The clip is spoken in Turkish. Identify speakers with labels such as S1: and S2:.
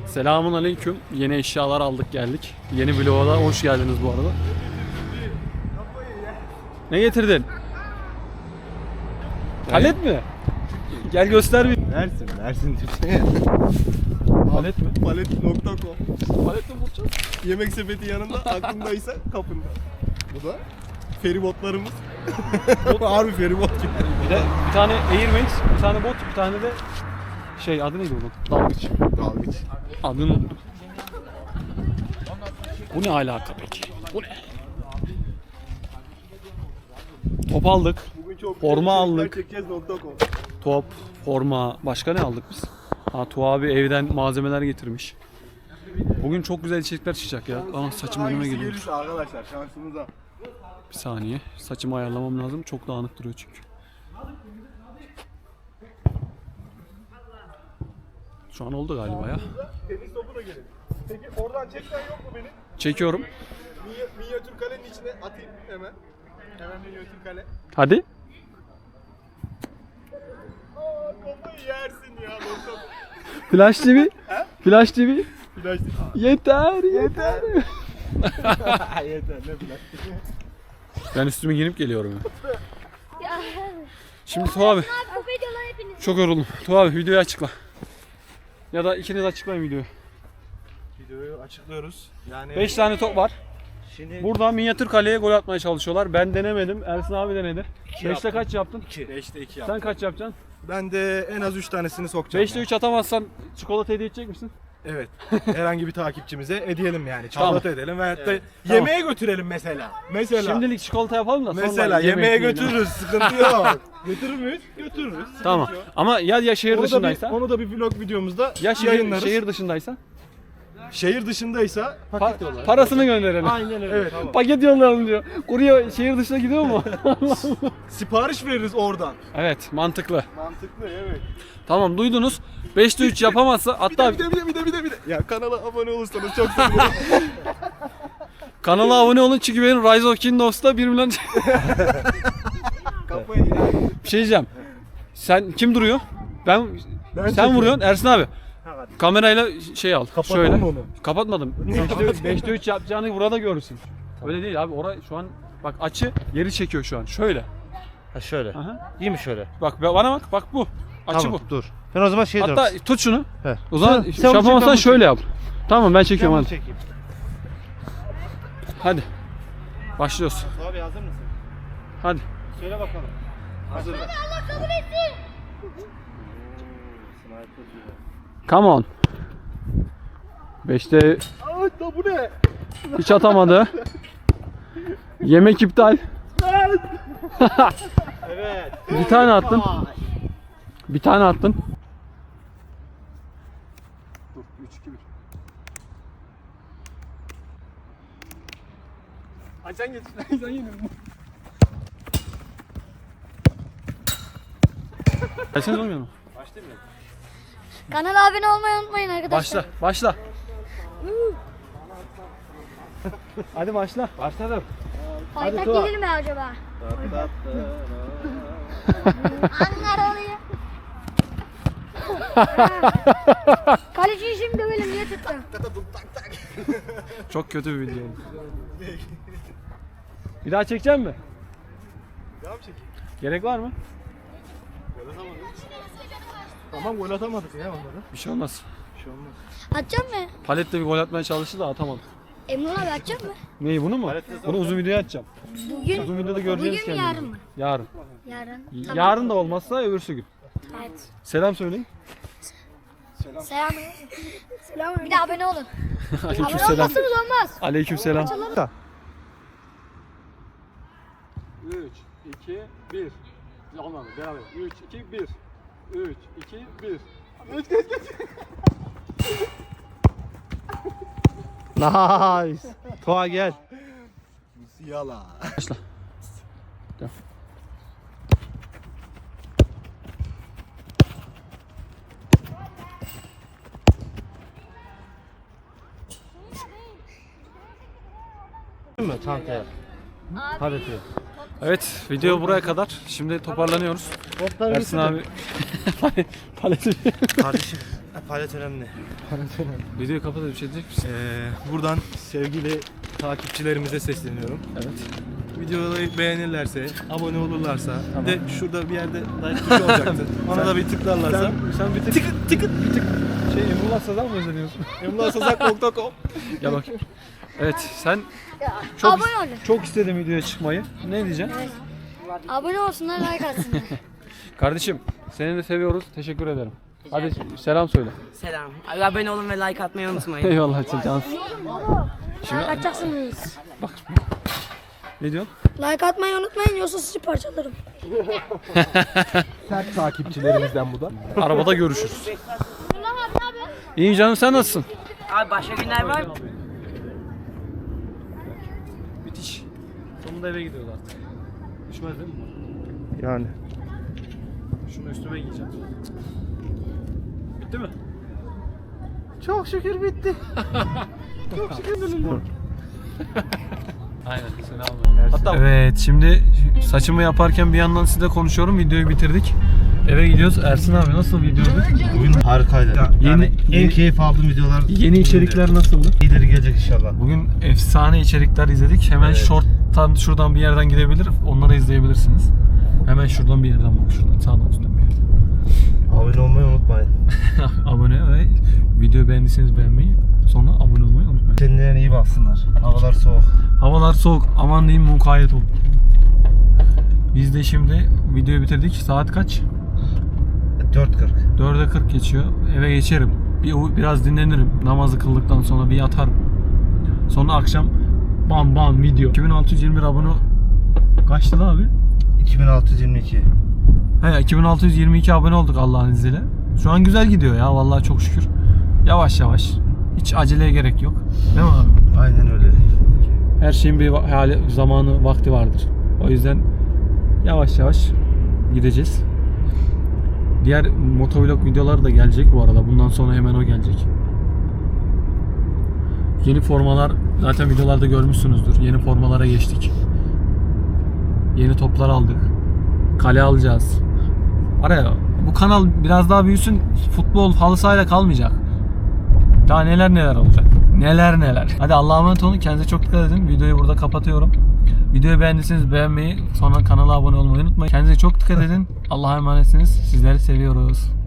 S1: Selamun aleyküm. Yeni eşyalar aldık geldik. Yeni vloga da hoş geldiniz bu arada. Ne getirdin? Palet mi? Gel göster bir.
S2: Mersin Türkiye.
S1: Palet mi?
S2: Palet.com.
S1: Palet mi bulacağız?
S2: Yemek sepeti yanında, aklındaysa kapında. Bu da feribotlarımız. Harbi feribot gibi.
S1: Bir tane Air Max, bir tane bot, bir tane de şey adı neydi bunun? Dalgıç.
S2: Dalgıç.
S1: Adını unuttum. Bu ne alaka peki? Bu ne? Top aldık.
S2: Bugün çok
S1: Forma aldık.
S2: Çekeceğiz.com.
S1: Top, forma, başka ne aldık biz? Ha, Tuğ abi evden malzemeler getirmiş. Bugün çok güzel içerikler çıkacak ya. Aa, saçım önüme
S2: Hangisi
S1: geliyor.
S2: gelirse arkadaşlar şansımıza.
S1: Bir saniye. Saçımı ayarlamam lazım. Çok dağınık duruyor çünkü. Şu an oldu galiba ya.
S2: Tenis topu da gelir. Peki oradan çeksen yok mu benim?
S1: Çekiyorum.
S2: Minyatür kalenin içine atayım hemen. Hemen minyatür kale.
S1: Hadi.
S2: Aa kafayı yersin ya.
S1: Flash TV. Flash TV.
S2: Flash.
S1: Yeter, yeter.
S2: Yeter ne flash.
S1: Ben üstümü giyinip geliyorum ya.
S3: Ya.
S1: Şimdi Tuğ abi.
S3: Abi bu videolar hepiniz.
S1: Çok yoruldum. Tuğ abi videoyu açıkla. Ya da ikiniz açıklayın videoyu.
S2: Videoyu açıklıyoruz. Yani
S1: 5 tane top var.
S2: şimdi
S1: Burada minyatür kaleye gol atmaya çalışıyorlar. Ben denemedim. Ersin abi denedi. 5'te kaç yaptın?
S2: 5'te 2
S1: Sen kaç yapacaksın?
S2: Ben de en az 3 tanesini sokacağım.
S1: 5'te 3 atamazsan çikolata hediye edecek misin?
S2: Evet. Herhangi bir takipçimize edelim yani. Çikolata edelim veyahut da
S1: Tamam.
S2: yemeğe götürelim mesela. Mesela.
S1: Şimdilik çikolata yapalım da sonra
S2: Mesela
S1: yemek
S2: yemeğe
S1: yiyelim.
S2: götürürüz. Sıkıntı yok. Götürür müyüz? Götürürüz. Sıkıntı
S1: Tamam.
S2: yok.
S1: Ama ya şehir
S2: Onu da,
S1: dışındaysa?
S2: onu da bir vlog videomuzda
S1: Ya
S2: yayınlarız.
S1: şehir dışındaysa?
S2: Şehir dışındaysa paket yollar.
S1: Parasını gönderelim.
S2: Aynen öyle. Evet. Tamam.
S1: Paket yollayalım diyor. Kurye şehir dışına gidiyor mu?
S2: Sipariş veririz oradan.
S1: Evet, mantıklı.
S2: Mantıklı evet.
S1: Tamam, duydunuz. 5'te 3 yapamazsa hatta
S2: Bir de. Ya kanala abone olursanız çok sevinirim.
S1: kanala abone olun çünkü benim Rise of Kingdoms'ta 1 milyon
S2: Kafayı yer.
S1: bir şey diyeceğim. Sen kim duruyor? Ben sen
S2: çekiyorum.
S1: vuruyorsun Ersin abi.
S2: hadi.
S1: Kamerayla şey al.
S2: Kapatalım
S1: şöyle.
S2: onu.
S1: Kapatmadım. 5'te 3 yapacağını burada görürsün. Öyle değil abi. Orada şu an bak açı geri çekiyor şu an. Şöyle.
S4: Ha şöyle.
S1: Aha.
S4: İyi mi şöyle?
S1: Bak bana bak. Bak bu. Açı
S4: Tamam,
S1: bu.
S4: dur. Ben o zaman şey
S1: Hatta
S4: diyorum.
S1: tut şunu.
S4: He.
S1: O zaman
S4: Sen
S1: şey
S4: onu çek, ben
S1: yapamazsan
S4: bunu
S1: şöyle yap. Tamam ben çekiyorum
S4: Ben bunu
S1: hadi.
S4: çekeyim.
S1: Hadi. Başlıyoruz.
S4: Abi hazır mısın?
S1: Hadi.
S4: Söyle bakalım. Hazır.
S3: Allah kabul etsin.
S1: Come on. 5'te
S2: Ay da bu ne?
S1: hiç atamadı. Yemek iptal.
S4: Evet.
S1: Bir tane attın. Bir tane attın.
S2: Dur 3 2 1. Ay sen geç. Sen yenildin.
S1: Gelseniz olmuyor mu?
S3: Kanala abone olmayı unutmayın arkadaşlar.
S1: Başla. Başla. Hadi başla.
S4: Başladım.
S3: Paytak
S1: Tuğba.
S3: gelir mi acaba? Anlar oluyor. Kaleciyi şimdi dövelim diye tuttum.
S1: Çok kötü bir video. Bir daha çekecek mi?
S2: Devam çekeyim.
S1: Gerek var mı?
S2: Tamam gol atamadık ya onları.
S1: Bir şey olmaz.
S2: Bir şey olmaz.
S3: Atacak mı?
S1: Paletle bir gol atmaya çalıştı da atamadı.
S3: Emrullah abi atacak mı?
S1: Neyi bunu mu? Bunu uzun videoya atacağım.
S3: Bugün.
S1: Uzun videoda göreceğiz
S3: Bugün mü yarın mı?
S1: Yarın.
S3: Yarın.
S1: Yarın da olmazsa öbürsü gün.
S3: Evet.
S1: Selam söyleyin.
S3: Selam. Selam. Bir de abone olun. Abone
S1: Aleykümselam.
S3: olmazsanız olmaz.
S1: Aleykümselam. 3 2 1. Olmadı. Beraber. 3 2 1. 3 2 1.
S4: Nice. Tuğa gel.
S2: Yala.
S1: Başla.
S4: Değil mi çantaya? Paleti.
S1: Evet, video buraya kadar. Şimdi toparlanıyoruz.
S4: Topları
S1: Ersin abi paleti
S4: Kardeşim. Palet önemli.
S1: Videoyu kapat, bir şey diyecek misin?
S2: Buradan sevgili takipçilerimize sesleniyorum.
S1: Evet.
S2: Videoyu beğenirlerse, abone olurlarsa, bir de şurada bir yerde like tuşu olacaktı. Ona da bir tıklarlarsa.
S1: Sen bir tık Emrullah Sazan mı özeniyorsun?
S2: emlahsazak.com.
S1: Ya bak. Evet, sen
S3: Abone olun.
S1: çok istedim videoya çıkmayı. Ne diyeceksin?
S3: Abone olsunlar, like atsınlar.
S1: Kardeşim, seni de seviyoruz. Teşekkür ederim. Hadi selam söyle.
S5: Selam. Abone olun ve like atmayı unutmayın.
S1: Eyvallah cansın.
S3: Like atacaksınız.
S1: Ne diyorsun?
S3: Like atmayı unutmayın, yoksa sizi parçalarım.
S2: Sert takipçilerimizden bu da.
S1: Arabada görüşürüz. İyi canım, sen nasılsın?
S5: Abi başka günler var mı?
S1: Müthiş. Sonunda eve gidiyoruz artık. Düşmez değil mi?
S2: Yani.
S1: Şunu üstüme giyeceğim. Bitti mi?
S2: Çok şükür bitti.
S1: Aynen, selam. Hatta evet, şimdi saçımı yaparken bir yandan sizle konuşuyorum. Videoyu bitirdik. Eve gidiyoruz. Ersin abi, nasıl videoydu?
S4: Bugün harikaydı.
S1: Yeni-
S4: en keyif aldığım videolar.
S1: Yeni içerikler nasıldı?
S4: İyileri gelecek inşallah.
S1: Bugün efsane içerikler izledik. Hemen short'tan şuradan bir yerden gidebilir. Onları izleyebilirsiniz. Hemen şuradan bir yerden bak. Şuradan sağdan üstten bir yerden.
S4: Abone olmayı unutmayın.
S1: Abone ve videoyu beğendiyseniz beğenmeyi, sonra abone olmayı unutmayın.
S4: Kendilerine iyi baksınlar. Havalar soğuk.
S1: Havalar soğuk. Aman diyeyim, mukayyet olun. Biz de şimdi videoyu bitirdik. Saat kaç?
S4: 4.40.
S1: 4'e 40 geçiyor. Eve geçerim. Biraz dinlenirim. Namazı kıldıktan sonra bir yatarım. Sonra akşam bam bam video. 2621 abone kaçtı lan abi?
S4: 2622.
S1: He, 2622 abone olduk Allah'ın izniyle. Şu an güzel gidiyor ya, vallahi çok şükür. Yavaş yavaş. Hiç aceleye gerek yok. Değil mi abi?
S4: Aynen öyle.
S1: Her şeyin bir hali, zamanı, vakti vardır. O yüzden yavaş yavaş gideceğiz. Diğer motovlog videoları da gelecek bu arada. Bundan sonra hemen o gelecek. Yeni formalar zaten videolarda görmüşsünüzdür. Yeni formalara geçtik. Yeni toplar aldık. Kale alacağız. Araya bu kanal biraz daha büyüsün. Futbol halı sahayla kalmayacak. Daha neler neler olacak. Neler neler. Hadi Allah'a emanet olun. Kendinize çok dikkat edin. Videoyu burada kapatıyorum. Videoyu beğendiyseniz beğenmeyi, sonra kanala abone olmayı unutmayın. Kendinize çok dikkat edin. Allah'a emanetsiniz. Sizleri seviyoruz.